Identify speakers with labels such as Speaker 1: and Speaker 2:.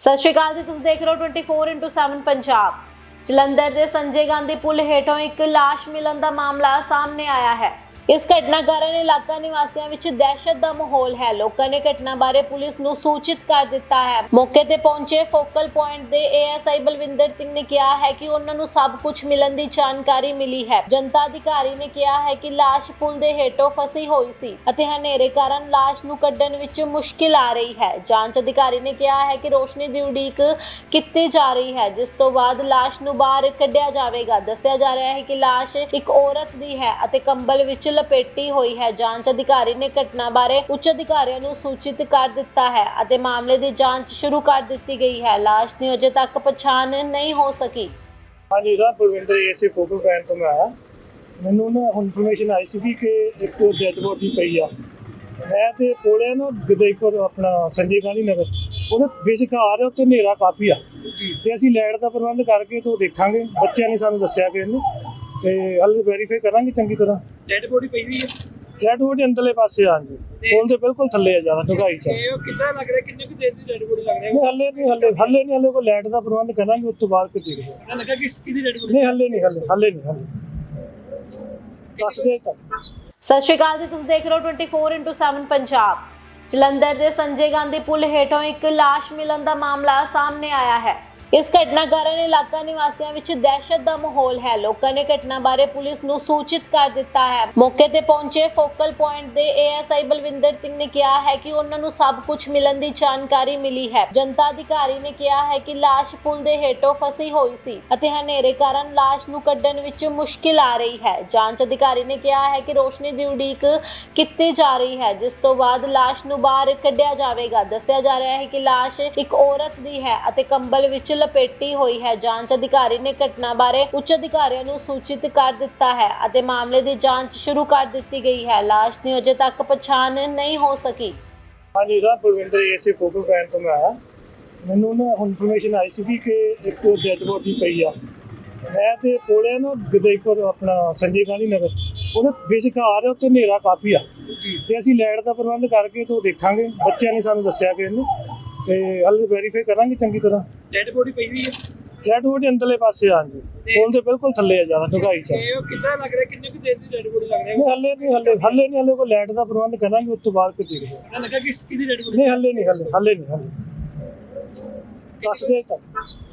Speaker 1: ਸਤਿ ਸ਼੍ਰੀ ਅਕਾਲ ਜੀ, ਤੁਸੀਂ ਦੇਖ ਰਹੇ ਹੋ 24x7 ਪੰਜਾਬ। ਜਲੰਧਰ ਦੇ ਸੰਜੇ ਗਾਂਧੀ ਪੁਲ ਹੇਠੋਂ ਇੱਕ ਲਾਸ਼ ਮਿਲਣ ਦਾ ਮਾਮਲਾ ਸਾਹਮਣੇ ਆਇਆ ਹੈ। ਇਸ ਘਟਨਾ ਕਾਰਨ ਇਲਾਕਾ ਨਿਵਾਸੀਆਂ ਵਿੱਚ ਦਹਿਸ਼ਤ ਦਾ ਮਾਹੌਲ ਹੈ। ਲੋਕਾਂ ਨੇ ਘਟਨਾ ਬਾਰੇ ਪੁਲਿਸ ਨੂੰ ਸੂਚਿਤ ਕਰ ਦਿੱਤਾ ਹੈ। ਮੌਕੇ ਤੇ ਪਹੁੰਚੇ ਫੋਕਲ ਪੁਆਇੰਟ ਦੇ ਏਐਸਆਈ ਬਲਵਿੰਦਰ ਸਿੰਘ ਨੇ ਕਿਹਾ ਹੈ ਕਿ ਉਹਨਾਂ ਨੂੰ ਸਭ ਕੁਝ ਮਿਲਣ ਦੀ ਜਾਣਕਾਰੀ ਮਿਲੀ ਹੈ। ਜਨਤਾ ਅਧਿਕਾਰੀ ਨੇ ਕਿਹਾ ਹੈ ਕਿ ਲਾਸ਼ ਪੁਲ ਦੇ ਹੇਠੋਂ ਫਸੀ ਹੋਈ ਸੀ ਅਤੇ ਹਨੇਰੇ ਕਾਰਨ ਲਾਸ਼ ਨੂੰ ਕੱਢਣ ਵਿੱਚ ਮੁਸ਼ਕਿਲ ਆ ਰਹੀ ਹੈ। ਜਾਂਚ ਅਧਿਕਾਰੀ ਨੇ ਕਿਹਾ ਹੈ ਕਿ ਰੋਸ਼ਨੀ ਦੀ ਉਡੀਕ ਕੀਤੀ ਜਾ ਰਹੀ ਹੈ, ਜਿਸ ਤੋਂ ਬਾਅਦ ਲਾਸ਼ ਨੂੰ ਬਾਹਰ ਕੱਢਿਆ ਜਾਵੇਗਾ। ਦੱਸਿਆ ਜਾ ਰਿਹਾ ਹੈ ਕਿ ਲਾਸ਼ ਇੱਕ ਔਰਤ ਦੀ ਹੈ ਅਤੇ ਕੰਬਲ ਵਿੱਚ ਲਪੇਟੀ ਹੋਈ ਹੈ। ਜਾਂਚ ਅਧਿਕਾਰੀ ਨੇ ਘਟਨਾ ਬਾਰੇ ਉੱਚ ਅਧਿਕਾਰੀਆਂ ਨੂੰ ਸੂਚਿਤ ਕਰ ਦਿੱਤਾ ਹੈ ਅਤੇ ਮਾਮਲੇ ਦੀ ਜਾਂਚ ਸ਼ੁਰੂ ਕਰ ਦਿੱਤੀ ਗਈ ਹੈ। ਲਾਸ਼ ਦੀ ਅਜੇ ਤੱਕ ਪਛਾਣ ਨਹੀਂ ਹੋ ਸਕੀ।
Speaker 2: ਹਾਂਜੀ sir, Balwinder ASI focal point ਤੋਂ ਮੈਂ ਆਇਆ। ਮੈਨੂੰ ਨਾ ਇਨਫੋਰਮੇਸ਼ਨ ਆਈ ਸੀ ਕਿ ਇੱਕ ਡੈਡ ਬੋਡੀ ਪਈ ਆ। ਮੈਂ ਤੇ ਕੋਲੇ ਨਾ ਗਦਈਪੁਰ ਆਪਣਾ ਸੰਜੇ ਗਾਂਧੀ ਨਗਰ ਉਹਦੇ ਵਿਚਕਾਰ ਉੱਤੇ ਹਨੇਰਾ ਕਾਫੀ ਆ ਤੇ ਅਸੀਂ ਲਾਈਟ ਦਾ ਪ੍ਰਬੰਧ ਕਰਕੇ ਤੋਂ ਦੇਖਾਂਗੇ। ਬੱਚਿਆਂ ਨੇ ਸਾਨੂੰ ਦੱਸਿਆ ਕਿ ਇਹਨੂੰ ਤੇ ਹਲੇ ਵੈਰੀਫਾਈ ਕਰਾਂਗੇ ਚੰਗੀ ਤਰ੍ਹਾਂ।
Speaker 3: ਡੈਡ ਬੋਡੀ ਪਈ ਹੋਈ ਹੈ।
Speaker 2: ਡੈਡ ਬੋਡੀ ਅੰਦਰਲੇ ਪਾਸੇ ਆ ਜੀ, ਪੁਲ ਦੇ ਬਿਲਕੁਲ ਥੱਲੇ ਆ, ਜ਼ਿਆਦਾ ਡੂੰਘਾਈ ਚ।
Speaker 3: ਇਹ ਕਿੰਨਾ ਲੱਗ ਰਿਹਾ, ਕਿੰਨੇ ਕੁ ਦੇਰ ਦੀ ਡੈਡ ਬੋਡੀ ਲੱਗ ਰਿਹਾ?
Speaker 2: ਨਹੀਂ ਹਲੇ ਕੋਈ ਲਾਈਟ ਦਾ ਪ੍ਰਬੰਧ ਕਰਾਂਗੇ, ਉਸ ਤੋਂ ਬਾਅਦ ਫਿਰ ਦੇਖਦੇ ਹਾਂ।
Speaker 3: ਪਤਾ ਲੱਗਾ ਕਿ ਕਿਹਦੀ ਡੈਡ ਬੋਡੀ?
Speaker 2: ਨਹੀਂ ਹਲੇ ਦੱਸ ਦੇ ਤਾਂ।
Speaker 1: ਸਤਿ ਸ਼੍ਰੀ ਅਕਾਲ ਜੀ, ਤੁਸੀਂ ਦੇਖ ਰਹੇ ਹੋ 24x7 ਪੰਜਾਬ। ਜਲੰਧਰ ਦੇ ਸੰਜੇ ਗਾਂਧੀ ਪੁਲ ਹੇਠੋਂ ਇੱਕ ਲਾਸ਼ ਮਿਲਣ ਦਾ ਮਾਮਲਾ ਸਾਹਮਣੇ ਆਇਆ ਹੈ। ਇਸ ਘਟਨਾ ਕਾਰਨ ਇਲਾਕਾ ਨਿਵਾਸੀਆਂ ਵਿੱਚ ਦਹਿਸ਼ਤ ਦਾ ਮਾਹੌਲ ਹੈ। ਲੋਕਾਂ ਨੇ ਘਟਨਾ ਬਾਰੇ ਪੁਲਿਸ ਨੂੰ ਸੂਚਿਤ ਕਰ ਦਿੱਤਾ ਹੈ। ਮੌਕੇ ਤੇ ਪਹੁੰਚੇ ਫੋਕਲ ਪੁਆਇੰਟ ਦੇ ਏਐਸਆਈ ਬਲਵਿੰਦਰ ਸਿੰਘ ਨੇ ਕਿਹਾ ਹੈ ਕਿ ਉਹਨਾਂ ਨੂੰ ਸਭ ਕੁਝ ਮਿਲਣ ਦੀ ਜਾਣਕਾਰੀ ਮਿਲੀ ਹੈ। ਜਨਤਾ ਅਧਿਕਾਰੀ ਨੇ ਕਿਹਾ ਹੈ ਕਿ ਲਾਸ਼ ਪੁਲ ਦੇ ਹੇਠੋਂ ਫਸੀ ਹੋਈ ਸੀ ਅਤੇ ਹਨੇਰੇ ਕਾਰਨ ਲਾਸ਼ ਨੂੰ ਕੱਢਣ ਵਿੱਚ ਮੁਸ਼ਕਿਲ ਆ ਰਹੀ ਹੈ। ਜਾਂਚ ਅਧਿਕਾਰੀ ਨੇ ਕਿਹਾ ਹੈ ਕਿ ਰੋਸ਼ਨੀ ਦੀ ਉਡੀਕ ਕੀਤੀ ਜਾ ਰਹੀ ਹੈ, ਜਿਸ ਤੋਂ ਬਾਅਦ ਲਾਸ਼ ਨੂੰ ਬਾਹਰ ਕੱਢਿਆ ਜਾਵੇਗਾ। ਦੱਸਿਆ ਜਾ ਰਿਹਾ ਹੈ ਕਿ ਲਾਸ਼ ਇੱਕ ਔਰਤ ਦੀ ਹੈ ਅਤੇ ਕੰਬਲ ਵਿੱਚ ਲਪੇਟੀ ਹੋਈ ਹੈ। ਜਾਂਚ ਅਧਿਕਾਰੀ ਨੇ ਘਟਨਾ ਬਾਰੇ ਉੱਚ ਅਧਿਕਾਰੀਆਂ ਨੂੰ ਸੂਚਿਤ ਕਰ ਦਿੱਤਾ ਹੈ ਅਤੇ ਮਾਮਲੇ ਦੀ ਜਾਂਚ ਸ਼ੁਰੂ ਕਰ ਦਿੱਤੀ ਗਈ ਹੈ। ਲਾਸ਼ ਦੀ ਅਜੇ ਤੱਕ ਪਛਾਣ ਨਹੀਂ ਹੋ ਸਕੀ।
Speaker 2: ਹਾਂਜੀ sir, Balwinder ASI focal point ਤੋਂ ਮੈਂ ਆਇਆ। ਮੈਨੂੰ ਨਾ ਇਨਫੋਰਮੇਸ਼ਨ ਆਈ ਸੀ ਕਿ ਇੱਕ ਡੈਡ ਬੋਡੀ ਪਈ ਆ। ਮੈਂ ਤੇ ਕੋਲੇ ਨਾ ਗਦਈਪੁਰ ਆਪਣਾ ਸੰਜੇ ਗਾਂਧੀ ਨਗਰ ਉਹਦੇ ਵਿਚਕਾਰ ਉੱਤੇ ਹਨੇਰਾ ਕਾਫੀ ਆ ਤੇ ਅਸੀਂ ਲਾਈਟ ਦਾ ਪ੍ਰਬੰਧ ਕਰਕੇ ਤੋਂ ਦੇਖਾਂਗੇ। ਬੱਚਿਆਂ ਨੇ ਸਾਨੂੰ ਦੱਸਿਆ ਕਿ ਇਹਨੂੰ ਤੇ ਹਲੇ ਵੈਰੀਫਾਈ ਕਰਾਂਗੇ ਚੰਗੀ ਤਰ੍ਹਾਂ।
Speaker 3: ਡੈਡ ਬੋਡੀ ਪਈ ਹੋਈ ਹੈ।
Speaker 2: ਡੈਡ ਬੋਡੀ ਅੰਦਰਲੇ ਪਾਸੇ ਆ ਜੀ, ਪੁਲ ਦੇ ਬਿਲਕੁਲ ਥੱਲੇ ਆ, ਜ਼ਿਆਦਾ ਡੂੰਘਾਈ ਚ।
Speaker 3: ਇਹ ਕਿੰਨਾ ਲੱਗ ਰਿਹਾ, ਕਿੰਨੇ ਕੁ ਦੇਰ ਦੀ ਡੈਡ ਬੋਡੀ ਲੱਗ ਰਿਹਾ?
Speaker 2: ਨਹੀਂ ਹਲੇ ਕੋਈ ਲਾਈਟ ਦਾ ਪ੍ਰਬੰਧ ਕਰਾਂਗੇ, ਉਸ ਤੋਂ ਬਾਅਦ ਫਿਰ ਦੇਖਦੇ ਹਾਂ।
Speaker 3: ਪਤਾ ਲੱਗਾ ਕਿ ਕਿਹਦੀ ਡੈਡ ਬੋਡੀ?
Speaker 2: ਨਹੀਂ ਹਲੇ ਦੱਸ ਦੇ ਤਾਂ।